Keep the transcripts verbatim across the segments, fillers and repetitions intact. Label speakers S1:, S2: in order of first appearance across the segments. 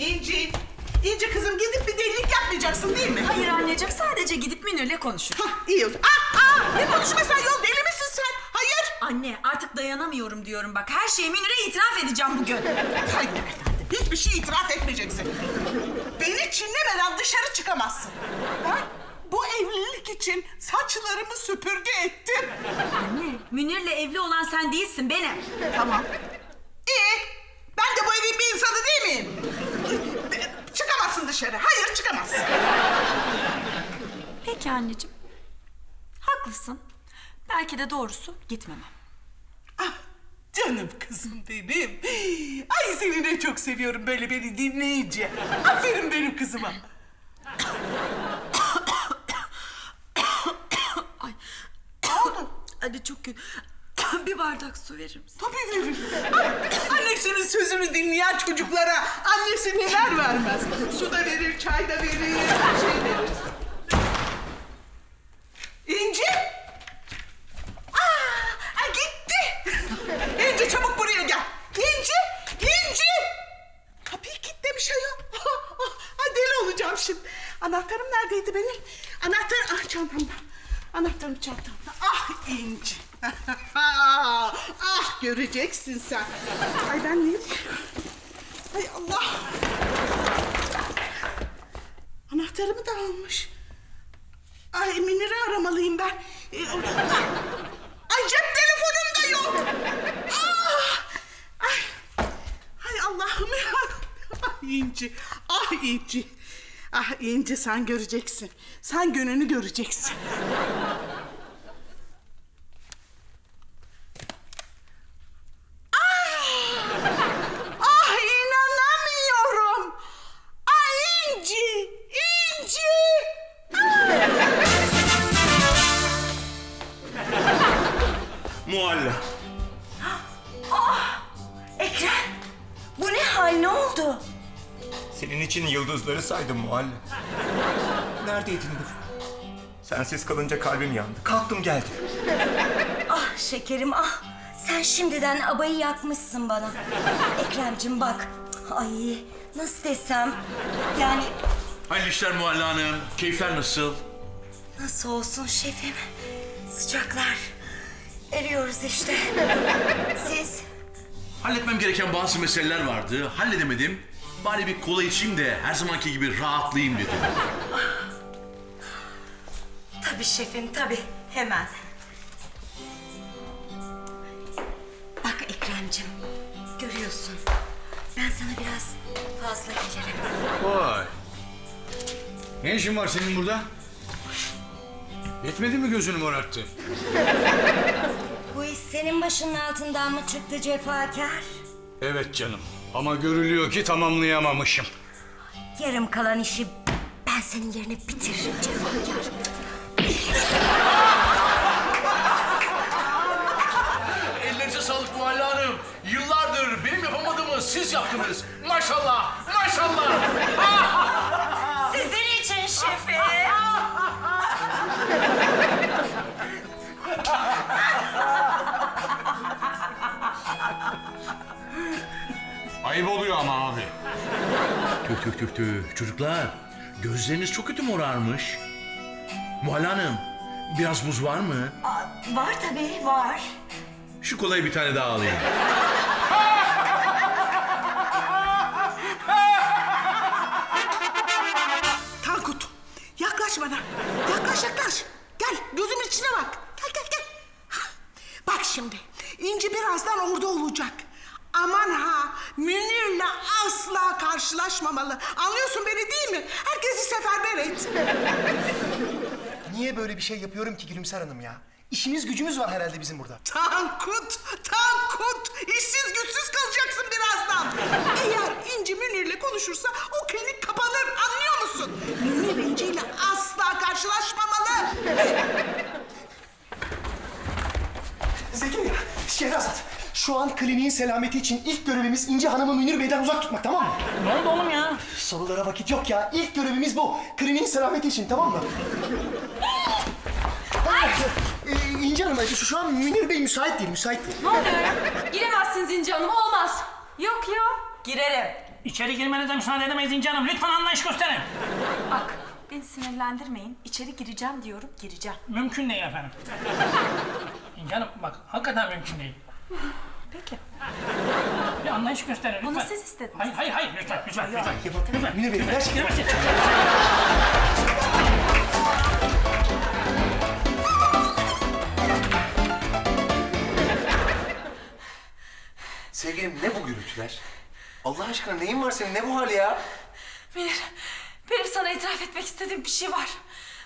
S1: İnci, İnci kızım gidip bir delilik yapmayacaksın değil mi?
S2: Hayır anneciğim, sadece gidip Münir'le konuşur.
S1: Hah, iyi oldu. Aa, aa, ne konuşma sen yol, deli misin sen? Hayır.
S2: Anne, artık dayanamıyorum diyorum bak. Her şeyi Münir'e itiraf edeceğim bugün.
S1: Hayır efendim, hiçbir şey itiraf etmeyeceksin. Beni çinlemeden dışarı çıkamazsın. Ben bu evlilik için saçlarımı süpürge ettim.
S2: Anne, Münir'le evli olan sen değilsin, benim.
S1: Tamam. İyi. Ben de bu evin bir insanı değil miyim? Çıkamazsın dışarı. Hayır, çıkamazsın.
S2: Peki anneciğim. Haklısın. Belki de doğrusu gitmemem.
S1: Ah, canım kızım benim. Ay seni ne çok seviyorum böyle beni dinleyince. Aferin benim kızıma.
S2: Ay. Anne çok kötü. Bir bardak su verir misin?
S1: Tabii veririm. Annesinin sözünü dinleyen çocuklara annesi neler vermez. Su da verir, çay da verir, her şey verir. İnci! Aa, gitti. İnci çabuk buraya gel. İnci! İnci! Kapıyı kilitlemiş ayol. Ay deli olacağım şimdi. Anahtarım neredeydi benim? Anahtar, ah çantamda. Anahtarım çantamda. Ah İnci. Ah göreceksin sen. Ay ben ne? Ay Allah. Anahtarımı da almış. Ay Münir'i aramalıyım ben. Ay cep telefonum da yok. Ah! Ay, ay Allah'ım ya. Ah İnci, ah İnci. Ah İnci sen göreceksin. Sen gününü göreceksin. Ah inanamıyorum. Ay İnci, İnci.
S3: Mualla.
S2: Ekrem! Bu ne hal, ne oldu?
S3: Senin için yıldızları saydım Mualla. Neredeydin dur? Sensiz kalınca kalbim yandı. Kalktım geldim.
S4: Ah şekerim ah. Sen şimdiden abayı yakmışsın bana. Ekremcim bak. Ay nasıl desem. Yani
S5: Hayırlı işler Mualla Hanım. Keyifler nasıl?
S4: nasıl olsun şefim. Sıcaklar. Eriyoruz işte. Siz?
S5: Halletmem gereken bazı meseleler vardı. Halledemedim. Bari bir kola içeyim de her zamanki gibi rahatlayayım dedim.
S4: Tabii şefim tabii. Hemen. Bak Ekremcim. Görüyorsun. Ben sana biraz fazla gelirim.
S6: Vay. Ne işin var senin burada? Yetmedi mi gözünü morarttı?
S4: Bu iş senin başının altından mı çıktı cefakar?
S6: Evet canım. Ama görülüyor ki tamamlayamamışım.
S4: Yarım kalan işi ben senin yerine bitiririm cefakar.
S5: Ellerinize sağlık Mualla Hanım. Yıllardır benim yapamadığımı siz yaptınız. Maşallah, maşallah.
S4: Sizin için şefim.
S6: Ayıp oluyor ama abi.
S5: Tüh tüh tüh tüh. Çocuklar, gözleriniz çok kötü morarmış. Mualla Hanım, biraz buz var mı?
S4: Aa, var tabii var.
S5: Şu kolayı bir tane daha alayım.
S1: Tankut, yaklaş bana. Yaklaş, yaklaş. Gel, gözümün içine bak. Gel, gel, gel. Hah, bak şimdi, İnci birazdan orada olacak. Aman ha, Münir'le asla karşılaşmamalı. Anlıyorsun beni değil mi? Herkesi seferber et.
S7: Niye böyle bir şey yapıyorum ki Gülümser Hanım ya? İşimiz gücümüz var herhalde bizim burada.
S1: Tankut, Tankut. İşsiz güçsüz kalacaksın birazdan. Eğer İnci Münir'le konuşursa o klinik kapanır. Anlıyor musun? Münir İnci'yle asla karşılaşmamalı.
S7: Zekeriya, Şehrazat. Şu an kliniğin selameti için ilk görevimiz İnci Hanım'ı Münir Bey'den uzak tutmak, tamam mı?
S2: Ne oldu oğlum ya?
S7: Sorulara vakit yok ya. İlk görevimiz bu. Kliniğin selameti için, tamam mı? Ee, İnci Hanım, şu, şu an Münir Bey müsait değil, müsait değil.
S8: Ne oluyor ya? Giremezsiniz İnci Hanım, olmaz.
S2: Yok ya. Girerim.
S8: İçeri girmenize müsaade edemeyiz İnci Hanım. Lütfen anlayış gösterin.
S2: Bak beni sinirlendirmeyin. İçeri gireceğim diyorum gireceğim.
S8: Mümkün değil efendim. İnci Hanım bak hakikaten mümkün değil.
S2: Peki.
S8: Bir anlayış gösterin lütfen.
S2: Bunu siz istediniz.
S8: Hayır hayır hayır lütfen lütfen lütfen. Lütfen.
S7: Münir Bey gerçekten.
S8: Girmesin.
S9: Sevgilim ne bu gürültüler? Allah aşkına neyin var senin? Ne bu hal ya?
S2: Münir, benim sana itiraf etmek istediğim bir şey var.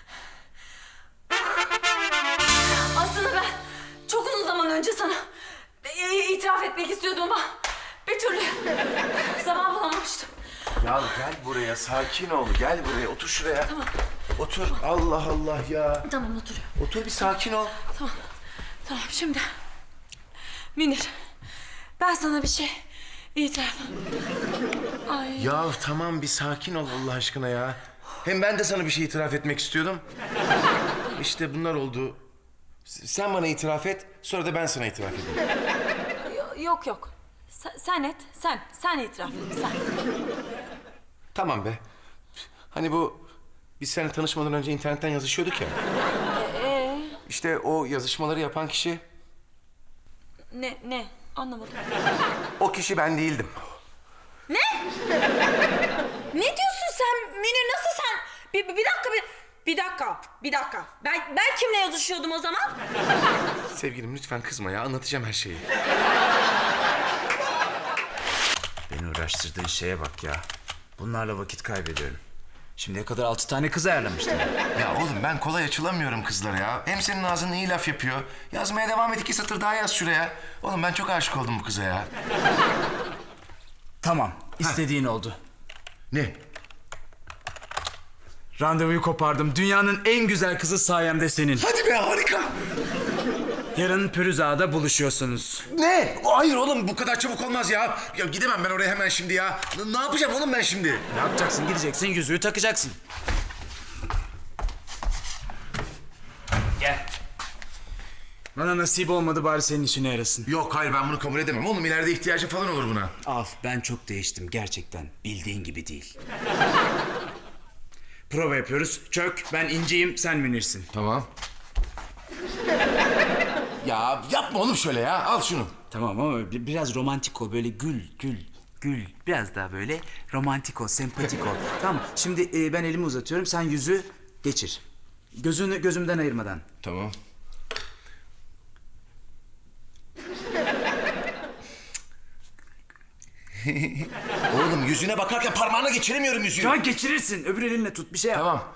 S2: Aslında ben çok uzun zaman önce sana e, itiraf etmek istiyordum ama bir türlü zaman bulamamıştım.
S9: Ya gel buraya, sakin ol. Gel buraya, otur şuraya. Tamam. Otur. Allah Allah ya.
S2: Tamam oturuyorum.
S9: Otur bir sakin ol.
S2: Tamam. Tamam şimdi. Münir, ben sana bir şey itiraf. Ay.
S9: Ya tamam bir sakin ol Allah aşkına ya. Hem ben de sana bir şey itiraf etmek istiyordum. İşte bunlar oldu. S- Sen bana itiraf et, sonra da ben sana itiraf edeyim.
S2: Yo- Yok yok. Sen, sen et, sen. Sen itiraf et, sen.
S9: Tamam be. Hani bu biz seninle tanışmadan önce internetten yazışıyorduk ya.
S2: Ee,
S9: İşte o yazışmaları yapan kişi,
S2: ne, ne? Anlamadım.
S9: o kişi ben değildim.
S2: Ne? Ne diyorsun sen Münir? Nasıl sen? Bir, bir dakika, bir, bir dakika, bir dakika. Ben, ben kimle yazışıyordum o zaman?
S9: Sevgilim lütfen kızma ya, anlatacağım her şeyi.
S10: Beni uğraştırdığın şeye bak ya. Bunlarla vakit kaybediyorum. Şimdiye kadar altı tane kız ayarlamıştım.
S9: Ya oğlum ben kolay açılamıyorum kızlara ya. Hem senin ağzın iyi laf yapıyor. Yazmaya devam et, iki satır daha yaz şuraya. Oğlum ben çok aşık oldum bu kıza ya.
S10: Tamam, istediğin oldu.
S9: Ne?
S10: Randevuyu kopardım. Dünyanın en güzel kızı sayemde senin.
S9: Hadi be, harika.
S10: Yarın Pürüz Ağa'da buluşuyorsunuz.
S9: Ne? Hayır oğlum bu kadar çabuk olmaz ya. Ya gidemem ben oraya hemen şimdi ya. N- ne yapacağım oğlum ben şimdi?
S10: Ne yapacaksın? Gideceksin, yüzüğü takacaksın. Gel. Bana nasip olmadı, bari senin işine yarasın.
S9: Yok hayır, ben bunu kabul edemem. Oğlum ileride ihtiyacı falan olur buna.
S10: Al, ben çok değiştim gerçekten. Bildiğin gibi değil. Prova yapıyoruz. Çök, ben İnci'yim, sen Münir'sin.
S9: Tamam. Ya yapma oğlum şöyle ya. Al şunu.
S10: Tamam ama bi- biraz romantik ol, böyle gül, gül, gül. Biraz daha böyle romantik ol, sempatik ol. Tamam, şimdi e, ben elimi uzatıyorum, sen yüzü geçir. Gözünü gözümden ayırmadan.
S9: Tamam. Oğlum yüzüne bakarken parmağına geçiremiyorum yüzüğü.
S10: Şu an geçirirsin, öbür elinle tut, bir şey yap.
S9: Tamam.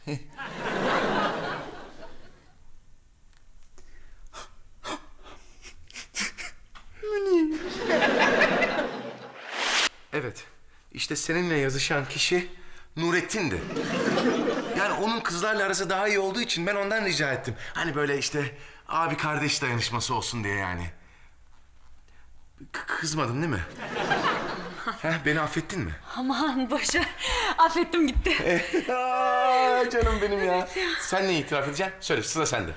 S9: Evet. İşte seninle yazışan kişi Nurettin'di. Yani onun kızlarla arası daha iyi olduğu için ben ondan rica ettim. Hani böyle işte abi kardeş dayanışması olsun diye yani. K- kızmadın değil mi? Heh, beni affettin mi?
S2: Aman boşa. Affettim gitti.
S9: Aa, canım benim ya. Sen ne itiraf edeceksin? Söyle, sıra sende.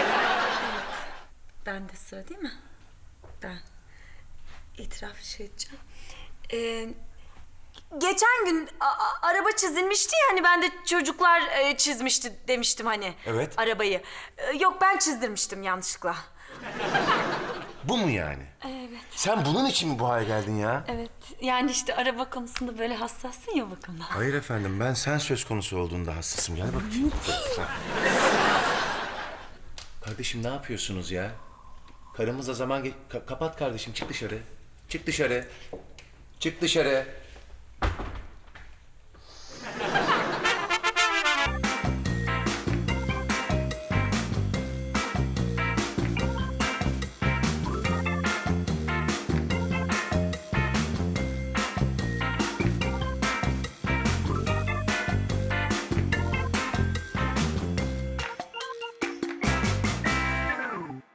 S2: Ben de sıra değil mi? Ben itiraf şey edeceğim. Ee, geçen gün a- a- araba çizilmişti ya hani ben de çocuklar e, çizmişti demiştim hani.
S9: Evet.
S2: Arabayı. Ee, yok ben çizdirmiştim yanlışlıkla.
S9: Bu mu yani?
S2: Evet.
S9: Sen bunun için mi bu hale geldin ya?
S2: Evet. Yani işte araba konusunda böyle hassassın ya bakımdan.
S9: Hayır efendim, ben sen söz konusu olduğunda hassasım. Gel bakayım. Kardeşim ne yapıyorsunuz ya? Karımızla zaman... Ge- Ka- kapat kardeşim, çık dışarı. Çık dışarı. Çık dışarı.